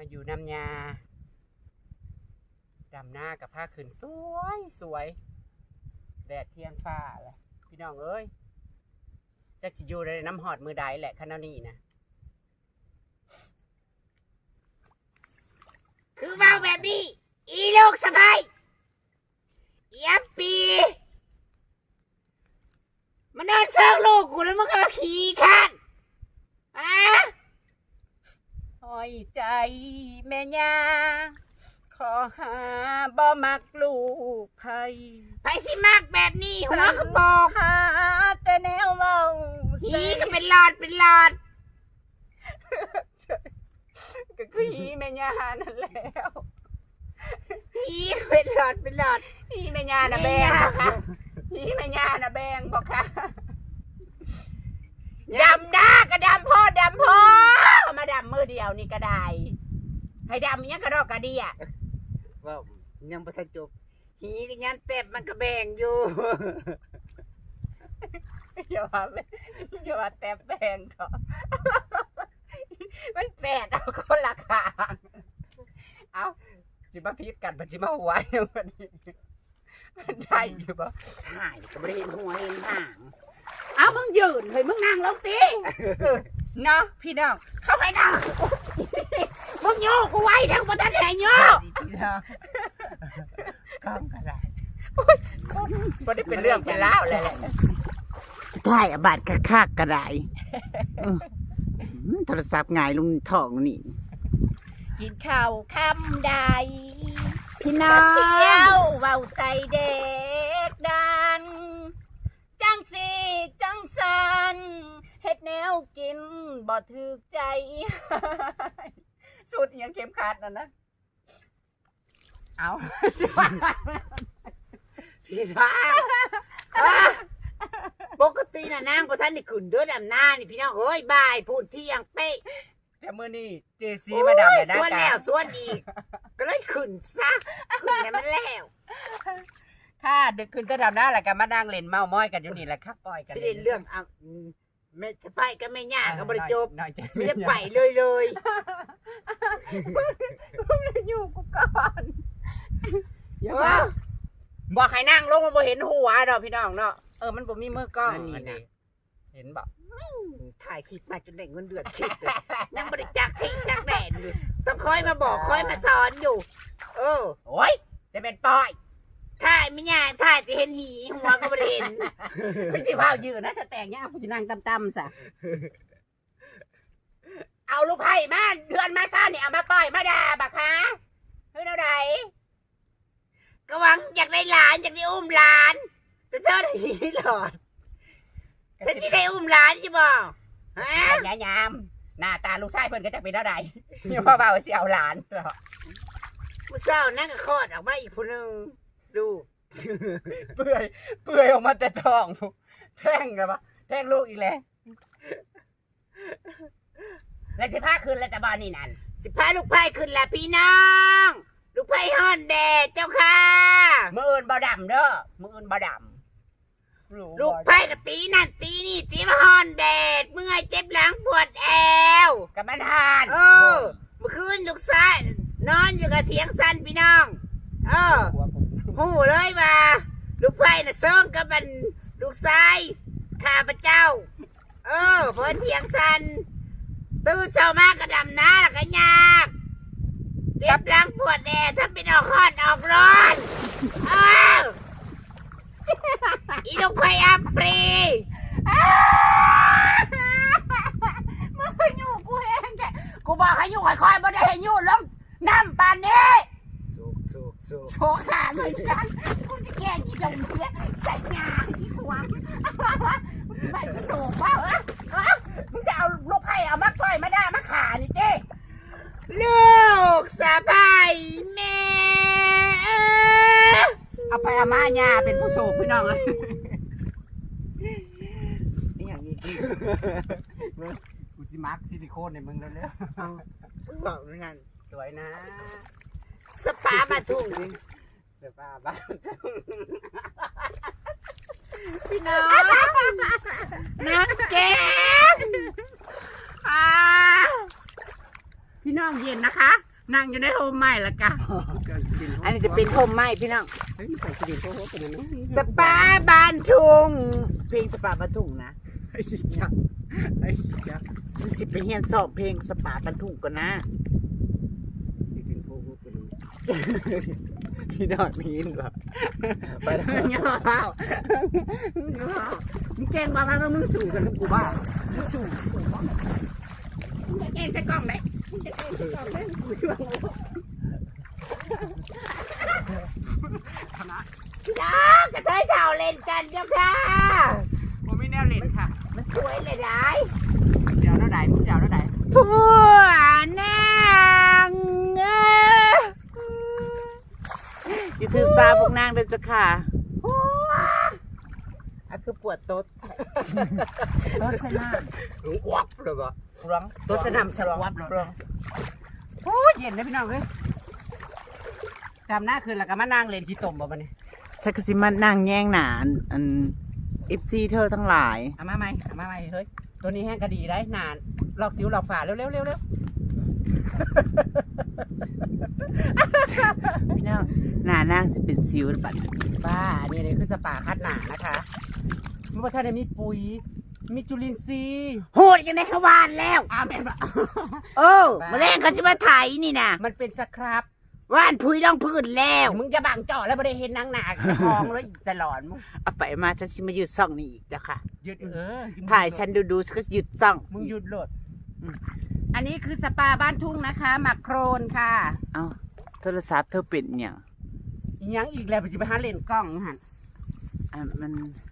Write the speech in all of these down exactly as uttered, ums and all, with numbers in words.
มาอยู่น้ำยาดำหน้ากับผ้าขืนสวยสวยแดดเที่ยงฟ้าแหละพี่น้องเอ้ยจักสิอยู่ในน้ำหอดมือใดแหละขนาดนี้นะคือว่าแบบนี้อีลูกสะใภ้อีอัปปีมันนอนเชิงลูกกูแล้วมึงก็มาขี่ข้านอ่ะห้อยใจแม่ยาขอหาบ่มักลูกไผไปสิมากแบบนี้หัวกระโปงหาแต่แนวเมาหีก็เป็นหลอดเป็นหลอดก็คือหีแม่ยานั่นแล้วหีเป็นหลอดเป็นหลอดหีแม่ยาน่ะแบงบ่คะหีแม่ยาน่ะแบงบ่คะดำหน้าก็ดำพ่อดำพ่อมาดำมือเดียวนี่ก็ได้ให้ดำยังกระดอกกระเดียว่ายังไม่ทันจบหีก็ยันเต็บมันก็แบ่งอยู่อย่าว่าอย่าว่าแตบแบ่งเถอะมันแปดเอาคนละขางเอาจิมาพิษกันมันจิมาหัวมันมันได้อยู่ปะถ่ายก็ไม่ได้เห็นหัวเห็นหางเอามึงยืนเฮ้ยมึงนั่งลงตีเนาะพี่น้องเข้าไปนั่งมึงโยกกูไว้ทั้งประเทศโยกกล้องกระไรบ่ได้เป็นเรื่องเป็นราวเลยสุดท้ายอบาดกระคากกระไรโทรศัพท์ไงลุงทองนี่กินข้าวคำใดพี่น้องเที่ยวเว้าใจเด็กดันจังสีจังสันเฮ็ดแนวกินบ่ถึกใจสุดยังเข็มขัดน่ะนะเอาพี่น้องปกติน่ะนางก็ท่านนี่ขึ้นด้วยดำหน้านี่พี่น้องเอ้ยบ่ายพูดที่ยังเป๊ะแต่มื้อนี้เจซีมาดำได้ส่วนแล้วส่วนอีกก็เลยขึ้นซะขึ้นแล้วมันแล้วค่ะดึกขึ้นก็ดำหน้าแหละกันมานั่งเล่นเมาม้อยกันอยู่นี่แหละครับปล่อยกันสิเรื่องอ่ะไม่จะไปก็ไม่ยากก็บริจบไม่จะไปเลยเลยมึงอยู่กูก่อนบอกให้นั่งลงมาบ่เห็นหัวดอกพี่น้องเนาะเออมันบ่มีมือกล้องนี่นะเห็นบอกถ่ายคลิปมาจนได้เงินเดือนคลิปเลยยังบริจาคที่จักแดดอยู่ต้องคอยมาบอกคอยมาสอนอยู่เออโอ้ยจะเป็นปอยถ่ายไม่ยากถ่ายจะเห็นหีหัวก็ไม่เห็นไม่ใช่ว่ายืนนะสแตงเนี่ยกูจะนั่งตั้มๆซะเอาลูกไผ่มาเดือนมาซ่าเนี่ยเอามาปล่อยมาด่าบักคะเฮ้ยเท่าไหร่ก็หวังอยากได้หลานอยากได้อุ้มหลานแต่เธอหีหลอดฉันจะได้อุ้มหลานใช่ป่ะฮะยายามหน้าตาลูกชายเพิ่นก็จะเป็นเท่าไหร่เนี่ยว่าเบาสิเอาหลานเหรอผู้เศร้านั่งก็คลอดออกมาอีกคนนึงดูเปื่อยเปื่อยออกมาแต่ท้องแท่งกันปะแท่งลูกอีกแล้วแล้วสิพาขึ้นแล้วแต่บ้านนี่นั่นสิพาลูกไผ่ขึ้นแล้วพี่น้องลูกไผ่ฮอนแดดเจ้าค่ะมืออื่นบ่ดำเด้อมืออื่นบ่ดำลูกไผ่กับตีนั่นตีนี่ตีมาฮอนแดดเมื่อยเจ็บหลังปวดแอวกับมันทานเออเมื่อคืนลูกชายนอนอยู่กับเถียงสั้นพี่น้องเออหูเลยว่าลูกไผ่น่ะเซิงกับมันลูกชายข้าพเจ้าเออเพิ่นเถียงสั้นตื่นเช้ามากระดำน้าแล้วก็ยากเจ็บหลังปวดแอวถ้าเป็นออกฮอนออกร้อนเอออีลูกไผ่อัปรีมึงไปอยู่กูเองแกกูบอกให้อยู่ค่อยๆบ่ได้ให้อยู่ลงน้ำปานนี้สุกสุกสุกโชว์ขาเลยจังกูจะแกล้งอีดงเนี่ยใส่งาอีขวางไม่กูโชว์ว่าเออมึงจะเอาลูกไผ่เอามาต่อยมาด่ามาขานี่เจ้ลูกสะใภ้แม่เอาไปอาม่าญาเป็นผู้สูบพี่น้องเลยนี่อย่างนี้กูจิมาร์คซิลิโคนในมึงแล้วเนี่ยบอกด้วยกันสวยนะสปามาทุ่งสปาบ้านพี่น้องนักแก้มพี่น้องเย็นนะคะนั่งอยู่ในโฮมใหม่ละกะอันนี้จะเป็นโฮมใหม่พี่น้องเฮ้ยมันใส่สีโค้งเป็นอะไรสปาบ้านทุ่งเพลงสปาบ้านทุ่งนะไอ้สิจ๊ะไอ้สิจ๊ะสิสิไปเฮียนสอบเพลงสปาบ้านทุ่งก่อนนะเป็นโค้งเป็นพี่น้องนี่หรอไปแล้วเงาเปล่าเงาเปล่ามึงเก่งมาพังแล้วมึงสู่กันกูบ้ามึงสู่มึงจะเก่งใส่กล้องไหนมึงจะเก่งใส่กล้องไหนกูช่วยมึงน้องกระเทยเท่าเล่นกันเจ้าค่ะผมไม่แน่เล่นค่ะมันสวยเลยได้เดี๋ยวเราไหนมึงเดี๋ยวเราไหนผัวนางเอ้ยอยู่ถือซาพวกนางเดินจะค่ะผัวอ่ะคือปวดโต๊ดโต๊ดชนะวับเลยบ่ร้องตัวจะนำฉลองวับร้องโอ้ยเย็นนะพี่น้องเฮ้ยตามหน้าคืนแล้วก็มานั่งเล่นที่ต้มบ่บัดนี้ฉันก็สิมานั่งแย่งหนานอันเอฟซีเธอทั้งหลายเอามาใหม่เอามาใหม่เฮ้ยตัวนี้แห้งกระดีได้นานลอกสิวลอกฝาเร็วเร็วเร็วเร็วพี่น้องหนานางสิเป็นซิวบัดบ้าอันนี้นี่คือสปาคัดหนานะคะมันว่าถ้าได้มีปุ๋ยมีจุลินทรีย์โหดยังได้ขวานแล้วอ้าวเป็นบ่โอ้มาแรงเขาจะมาไถนี่นะมันเป็นสครับว่านพุยต้องพื้นแล้วมึงจะบังเจาะแล้วไม่ได้เห็นนางหนาจะคลองแล้วตลอดมึงเอาไปมาฉันสิมาหยุดซ่องนี่อีกจ้ะค่ะหยุดเออถ่ายฉันดูดูฉันก็หยุดซ่องมึงหยุดโหลดอันนี้คือสปาบ้านทุ่งนะคะหมักโครนค่ะเอ้าโทรศัพท์เธอเป็นเนี่ยงอีหยังอีกแล้วจะไปหาเล่นกล้องหันอ่ะมัน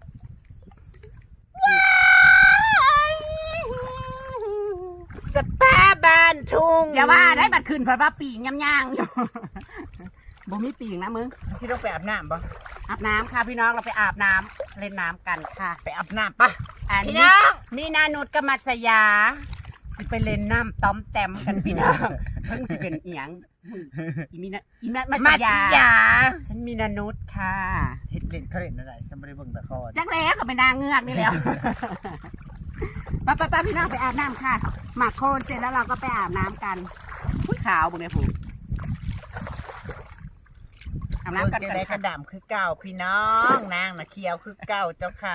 สปาบ้านทุ่งอย่าว่าได้บัดคืนเพราะว่าปีงย่างๆอยู่ บ่มีปีงนะมึงสิต้องไปอาบน้ำปะอาบน้ำค่ะพี่น้องเราไปอาบน้ำเล่นน้ำกันค่ะไปอาบน้ำปะอันพี่นี้น้องมีนานุชกับมัสยาสิไปเล่นน้ำต้อมแต้มกันพี่น้องเพิ่งสิเป็นเอียงอีมีนะอีมัมาสสิยายาฉันมีนานุชค่ะเฮ็ดเล่นเขาเล่นอะไรฉันไม่ได้เบิ่งละครจักแล้วก็ไปนางเงือกนี่แล้วป้าป้าป้าพี่น้องไปอาบน้ำค่ะหมักโคลนเสร็จแล้วเราก็ไปอาบน้ำกันผู้ขาวบุญเนี่ยผูอาบน้ำกันจะกันได้กค่ะระดำคือเก่าพี่น้องนางน่ะเคียวคือเก่าเจ้าค่ะ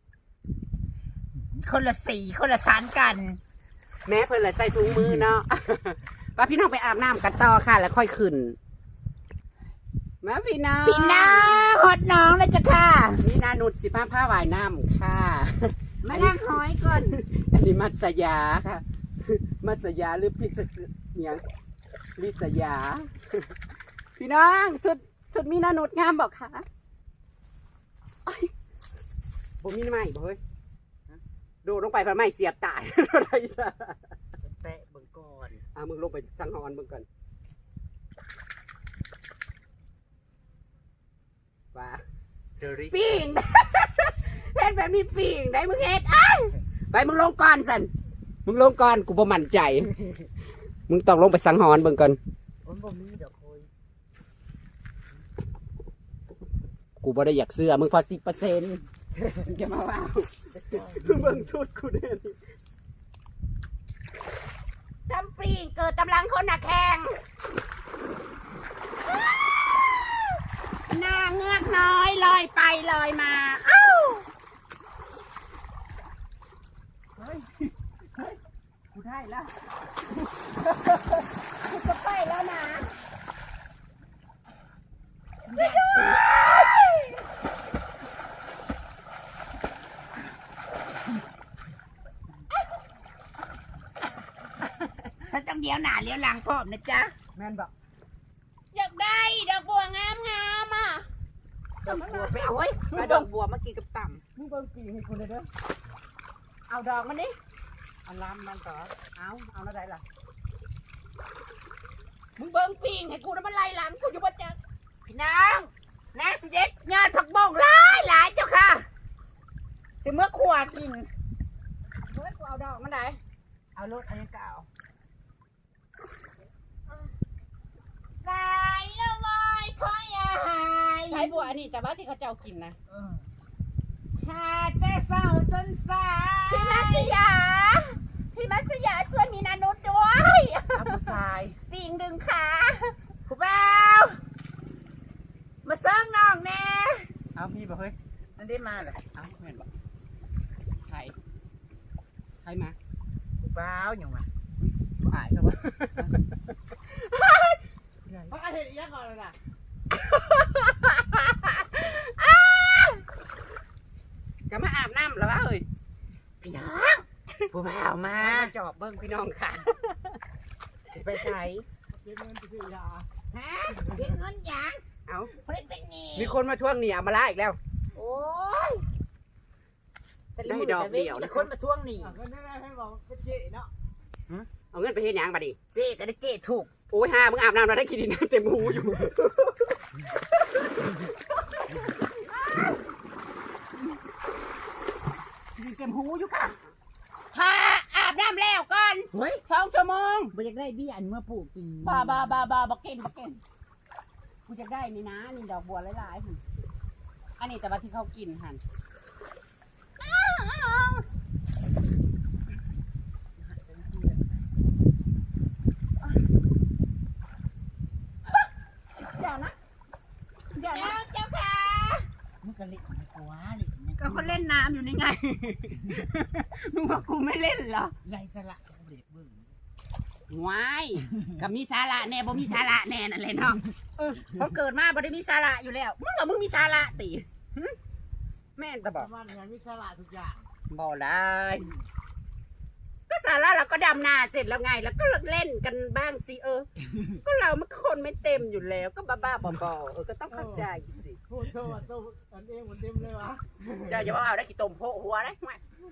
คนละสีคนละชั้นกันแม่เพิ่นเลยใส่ถุงมือเนาะ ป้าพี่น้องไปอาบน้ำกันต่อค่ะ แล้วค่อยขึ้นมาพี่น้องพี่น้องหดน้องเลยจ้ะค่ะนี่นานุชสิผ้าผ้าว่ายน้ำค่ะมานั่งหอยก่อนอันนี้มัสยาค่ะ มัสยาหรือพิษเนี่ยงลิสยา พี่น้องสุดสุดมีนานุชงามบอกค่ะโอ้ยผมมีไม้บ่เฮ้ยโดดลงไปพระไม้เสียบตาย อะไรซะแตะเบิ่งก่อนอ่ะมึงลงไปสังหรณ์มึงก่อนว่าเดริปิ่ง เฮ็ดแบบมีปิ่งได้มึงเฮ็ดอ้ายไปมึงลงก่อนสันมึงลงก่อนกูบ่มั่นใจ มึงต้องลงไปสังหรณ์มึงก่อนมันบ่มีดอกโอยกูบ่ได้อยากเสื้อมึงพอสิบเปอร์เซ็นต์จะมาว่ามึงเบิ่งชุดกูเด่นจำปรีงเกิดกำลังคนหนักแข่งหน้าเงือกน้อยลอยไปลอยมา เอ้าเฮ้ยเฮ้ยกูได้แล้วกูจะไปแล้วนะฉันต้องเลี้ยวหน้าเลี้ยวหลังพร้อมนะจ๊ะแม่นบอกอยากได้ดอกบัวงามงามๆอ่ะดอกบัวไปเอาไว้ไปดอกบัวมากินกับต่มึงเบิ่งปีให้กูเลยเด้อเอาดอกมันดิำอันล้ำมันต่อเอาเอาแล้วได้ล่ะมึงเบิ่งปิงให้กูแล้วมันไล่หลังกูอยู่บ่จ๊ะพี่น้องนางสิเด็ดยอดผักบงหลายหลายเจ้าค่ะสิเมื่อขวากินเฮ้ยกูเอาดอกมันได้เอารถอันนี้ก็เอาตายแล้ววายคอยอาหายใช้บัวอันนี้แต่ว่าที่เขาเจ้ากินนะเออหาแต่เศร้าจนสายพี่มัสยา พี่มัสยาช่วยมีนานุษด้วยเอาผู้ชายจปิงดึงขาผู้บ่าวมาเซิงน้องแน่เอาพี่บอกเฮ้ยนั่นได้มาเหรอเอาเห็นบอกใครใครมาผู้บ่าวอย่างวะบ่อายครับวะเขาอาเห็นอีกอย่างก่อนเลยนะก็มาอาบน้ำแล้ววะเฮ้ยพี่น้องผู้บ่าวมามาจอบเบิ้งพี่น้องค่ะสิไปใส่เก็บเงินไปซื้อยาฮะเก็บเงินหยังเอาเพิ่นเป็นหนี่มีคนมาทวงหนี้เอามาล่าอีกแล้วโอ้ยแต่ได้มือดอกแต่เว้นเดียวแต่คนมาทวงหนี้เงินได้ไหมให้บอกเป็นเจ๊เนาะเอาเงินไปเฮ็ดหยังบัดนี้เจ๊ก็ได้เจ๊ถูกโอ้ยห่ามึงอาบน้ำแล้วได้ขี้ดินเต็มหูอยู่มีเต็มหูอยู่ค่ะถ้าอาบน้ำแล้วก่อนเฮ้ยสองชั่วโมงบ่อยากได้เบี้ยอันเมื่อปลูกกินบาบาบาบาบักเก็นบักเก็นกูจะได้นี่นะนี่ดอกบัวหลายๆหั่นอันนี้แต่ว่าที่เขากินหันเดี๋ยวนะเดี๋ยวน้นะองเจ้าค่ะมึงก็เล่นของกูวะเล่นของก็เขาเล่นน้ำอยู่นี่ไง มึงว่ากูไม่เล่นเหรอไรสละกูเด็กเบิ่งวายกับมีสาระแน่บ่มีสาระแน่นั่นแหละเนาะเออผมเกิดมาบ่ได้มีสาระอยู่แล้วมึงว่ามึงมีสาระติหึแม่นตะปบอกระมาณงานวิสละทุกอย่างบ่ได้ก็สาระเราก็ดำนาเสร็จแล้วไง แล้วก็เล่นกันบ้างสิเออ ก็เรามันคนไม่เต็มอยู่แล้ว ก็บ้าๆบอๆเออก็ต้องเข้าใจสิพูดโทษตัวอันเองเหมือนเต็มเลยวะเจ้าอย่าว่าเอาได้ขี้ตมโพกหัวได้ไหม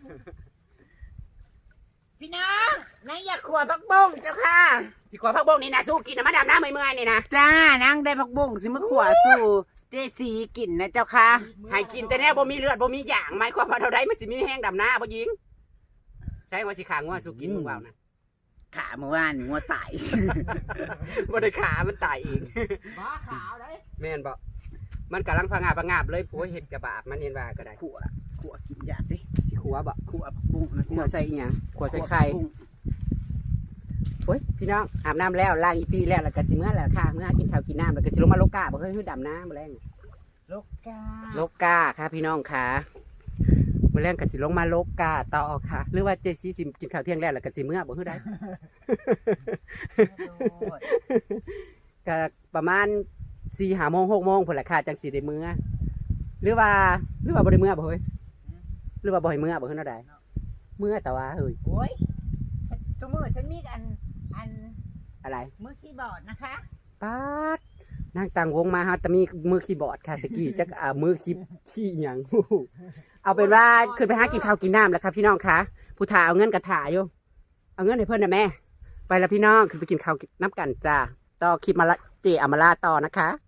พี่น้องนายอยากขวผักบงเจ้าค่ะสิขวพักบงนี่นะสู้กินนะมาดำน้ำเมื่อยๆนี่นะจ้านางได้ผักบงสิมาขวสู่เจสีกินนะเจ้าค่ะให้กินแต่แน่บ่มีเลือดบ่มีหยางหมายความว่าเท่าใดมันสิมีแห้งดำหน้าบ่ยิงใช่ว่าสิขางัวสู้กินมึงเปล่านะขาเมื่อวานงัวตายบ่ได้ขามันตายเองบ้าขาวได้แม่นบ่มันกำลังพังงาบพังงาบเลยโอ้ยเห็ดกระบาบมันเห็นว่าก็ได้ขวขวกินยาดิสิขัวบ่ขวผักบงนะขัวใส่อีหยังขัวใส่ไข่โอ้ยพี่น้องอาบน้ำแล้วล้างอีปีแล้วแล้วก็สิเมื่อแล้วค่ะเมื่อกินข้าวกินน้ำแล้วก็สิลงมาโลกาบ่เคยฮื้อดำน้ำบ่แรงลูกกาโลกาค่ะพี่น้องค่ะมื้อแรงก็สิลงมาโลกาต่อค่ะ หรือว่าเจซี่สิกินข้าวเที่ยงแล้วแล้วก็สิเมื่อบ่ฮื้อได้ ก็ประมาณสี่ห้าโมงหกโมงพุ่นแหละค่ะจังสิได้มื้อหรือว่าหรือว่าบ่ได้มื้อบ่เฮ้ยหรือว่าบ่ให้มื้อบ่ฮื้อเนาะได้มื้อแต่ว่าเฮ้ยโอ้ยฉันชั่วโมงฉันมีอันอันอะไรมือคีย์บอร์ดนะคะป๊าดนางต่างวงมาฮะแต่มีมือคีย์บอร์ดค่ะตะกี้จักอ่ามือคีย์ขี้หยัง เอาเป็นว่าขึ้นไปหากินข้าวกินน้ำแล้วครับพี่น้องคะผู้ถ่าเอาเงินกระถ่ายอยู่เอาเงินให้เพื่อนนะแม่ไปแล้วพี่น้องขึ้นไปกินข้าวน้ำกันจ้าต่อคลิปมาละเจอามาลาต่อนะคะ